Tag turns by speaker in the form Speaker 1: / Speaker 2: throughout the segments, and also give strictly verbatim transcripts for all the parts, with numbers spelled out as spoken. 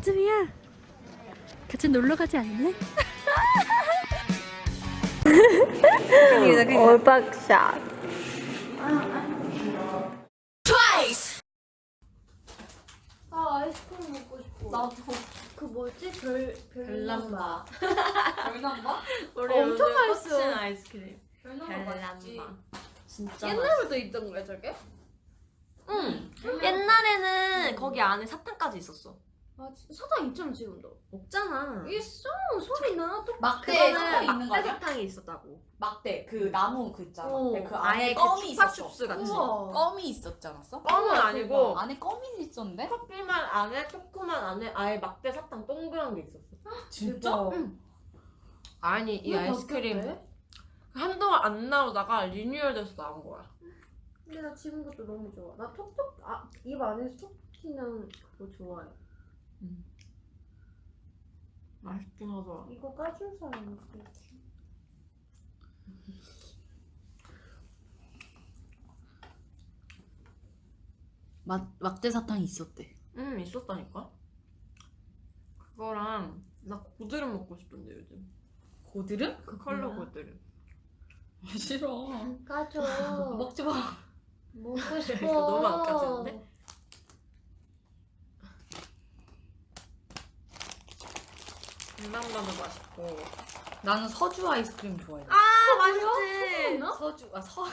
Speaker 1: 쭈미야, 같이 놀러 가지 않을래? 얼박샷.
Speaker 2: 아 아이스크림 먹고 싶어.
Speaker 3: 나도.
Speaker 2: 그 뭐지? 별 별남바.
Speaker 3: 별남바?
Speaker 2: 우리 엄청 맛있어.
Speaker 3: 꽂힌 아이스크림.
Speaker 2: 별남바 맛있지.
Speaker 3: 진짜
Speaker 2: 옛날부터 있던 거야 저게?
Speaker 3: 응. 옛날에는 거기 안에 사탕까지 있었어.
Speaker 2: 아 진짜 사탕 있잖아 지금도.
Speaker 3: 없잖아.
Speaker 2: 있어 소리 나. 또
Speaker 4: 막대
Speaker 3: 그거는
Speaker 4: 사탕이 있는 거
Speaker 3: 막대
Speaker 4: 아니야?
Speaker 3: 사탕이 있었다고.
Speaker 4: 막대 그 나무 그 있잖아.
Speaker 3: 어,
Speaker 4: 네, 그
Speaker 3: 아예
Speaker 4: 안에
Speaker 3: 그
Speaker 4: 껌이 있었어.
Speaker 3: 춥밥춥스 같은.
Speaker 2: 우와.
Speaker 4: 껌이 있었지 않았어?
Speaker 3: 껌은 아니고
Speaker 4: 안에 껌이 있었는데?
Speaker 3: 커피만 안에 초코만 안에 아예 막대 사탕 동그란 게 있었어.
Speaker 4: 진짜?
Speaker 3: 응. 아니 이
Speaker 2: 왜
Speaker 3: 아이스크림
Speaker 2: 바뀌었대?
Speaker 3: 한동안 안 나오다가 리뉴얼돼서 나온 거야.
Speaker 2: 근데 나 지금 것도 너무 좋아. 나 톡톡 아, 입 안에서 톡 튀는 그거 좋아해.
Speaker 3: 맛있긴 하더라.
Speaker 2: 이거 까줄 사람 있어.
Speaker 4: 막 막대 사탕이 있었대.
Speaker 3: 응 있었다니까. 그거랑 나 고드름 먹고 싶던데 요즘.
Speaker 4: 고드름?
Speaker 3: 그 컬러
Speaker 2: 뭐야?
Speaker 3: 고드름.
Speaker 4: 싫어.
Speaker 2: 까줘.
Speaker 4: 먹지 마.
Speaker 2: 먹고 싶어.
Speaker 3: 너무 안 까지는데? 백남바도 맛있고.
Speaker 4: 나는 서주 아이스크림 좋아해.
Speaker 3: 아 맛있지.
Speaker 2: 나?
Speaker 4: 서주 아 서.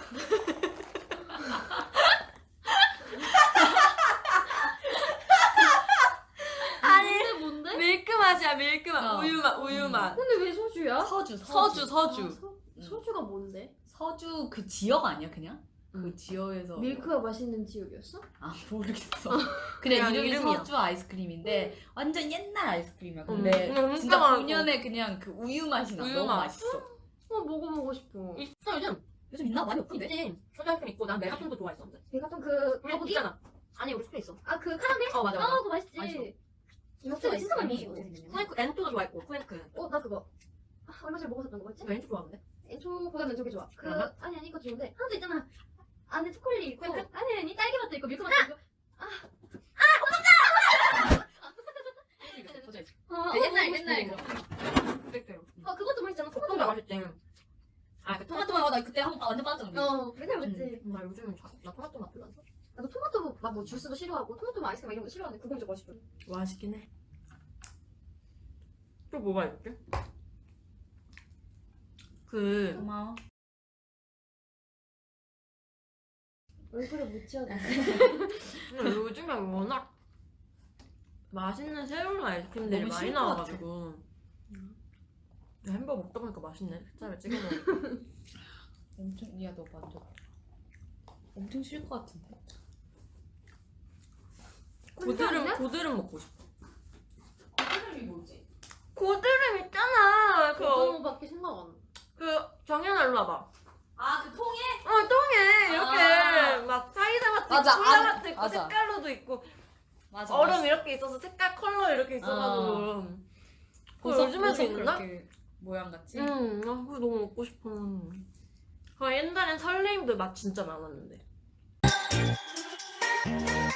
Speaker 2: 뭔데 뭔데?
Speaker 3: 밀크 맛이야 밀크 맛.
Speaker 4: 어.
Speaker 3: 우유 맛 우유 맛.
Speaker 2: 근데 왜 소주야?
Speaker 4: 서주
Speaker 3: 서주 서주.
Speaker 2: 아, 서, 소주가 뭔데?
Speaker 4: 서주 그 지역 아니야 그냥? 그 지역에서
Speaker 2: 밀크가 맛있는 지역이었어?
Speaker 4: 아 모르겠어.
Speaker 3: 그냥
Speaker 4: 그냥 이름이
Speaker 3: 이름이야.
Speaker 4: 서주 아이스크림인데 완전 옛날 아이스크림이야.
Speaker 3: 음,
Speaker 4: 근데
Speaker 3: 근데 진짜
Speaker 4: 진짜
Speaker 3: 맛있어.
Speaker 4: 본연의 그냥 그 우유 맛이 나.
Speaker 3: 우유
Speaker 4: 너무
Speaker 3: 맛.
Speaker 4: 맛있어.
Speaker 2: 어 먹어보고 싶어.
Speaker 3: 있어 요즘.
Speaker 4: 요즘 있나? 많이 없던데?
Speaker 3: 있지. 소주 아이스크림 있고 난 메가톤도 좋아했었는데.
Speaker 2: 내가 좀그
Speaker 3: 우리
Speaker 2: 거북이?
Speaker 3: 있잖아. 아니 우리 숙소에 있어.
Speaker 2: 아그 카라멜?
Speaker 3: 어 맞아
Speaker 2: 아
Speaker 3: 맞아.
Speaker 2: 그거 맛있지.
Speaker 4: 맛있어.
Speaker 2: 진짜 진짜 많이
Speaker 3: 있어.
Speaker 2: 먹어.
Speaker 3: 쿠엔크 엔토도 좋아했고 쿠엔크.
Speaker 2: 어 나 그거 아, 얼마 전에 먹었었던 거 뭐였지?
Speaker 3: 너 엔토 좋아하는데?
Speaker 2: 엔초보다는 저게 좋아. 그
Speaker 3: 그러나?
Speaker 2: 아니 아니 이거 좋은데 하나도 있잖아. 안에 초콜릿 있고
Speaker 3: 그래?
Speaker 2: 아니 아니 딸기 맛도 있고 밀크 맛도 있고. 아,
Speaker 4: 그 옛날
Speaker 2: 어,
Speaker 4: 옛날
Speaker 2: 먹고
Speaker 4: 거.
Speaker 2: 싶어.
Speaker 3: 그랬대요.
Speaker 2: 아 그것도 맛있잖아.
Speaker 3: 토마토
Speaker 2: 토마토.
Speaker 3: 맛있지. 아그 토마토
Speaker 4: 토마토 맛 나 그때 한 번 완전 빠졌는데.
Speaker 2: 어 맨날 먹지.
Speaker 3: 나 요즘은 자, 나 토마토 맛 별로 안 좋아.
Speaker 2: 나도 토마토 막뭐 주스도 싫어하고 토마토 맛 아이스크림 이런 것도 싫어하는데 그건 좀 맛있어.
Speaker 3: 맛있긴 해. 또 뭐가 있지? 그
Speaker 4: 고마워.
Speaker 2: 얼굴에 묻혀야 돼.
Speaker 3: 근데 요즘에 워낙 맛있는 새로운 아이스크림들이
Speaker 4: 너무
Speaker 3: 많이
Speaker 4: 싫을 것
Speaker 3: 나와가지고 야, 햄버거 먹다 보니까 맛있네. 햇살에 찍어 먹으니까.
Speaker 4: 엄청 야너 완전 엄청 싫을 것 같은데.
Speaker 3: 고드름 고드름 먹고 싶어.
Speaker 4: 고드름이 뭐지?
Speaker 3: 고드름 있잖아. 그,
Speaker 2: 그거밖에 생각 안 나.
Speaker 3: 그 정연아 일로 와봐.
Speaker 4: 아 그 통에?
Speaker 3: 어 똥에 이렇게
Speaker 4: 아.
Speaker 3: 막 사이다 맛도
Speaker 4: 맞아,
Speaker 3: 있고 콜라
Speaker 4: 안-
Speaker 3: 맛도 있고
Speaker 4: 맞아.
Speaker 3: 색깔로도 있고
Speaker 4: 맞아.
Speaker 3: 얼음 이렇게 있어서 색깔 컬러 이렇게 있어가지고 그거
Speaker 4: 보석
Speaker 3: 요즘에도
Speaker 4: 보석
Speaker 3: 있나?
Speaker 4: 그렇게 모양 같지?
Speaker 3: 응, 아 그거 너무 먹고 싶어. 아 옛날엔 설레임도 맛 진짜 많았는데.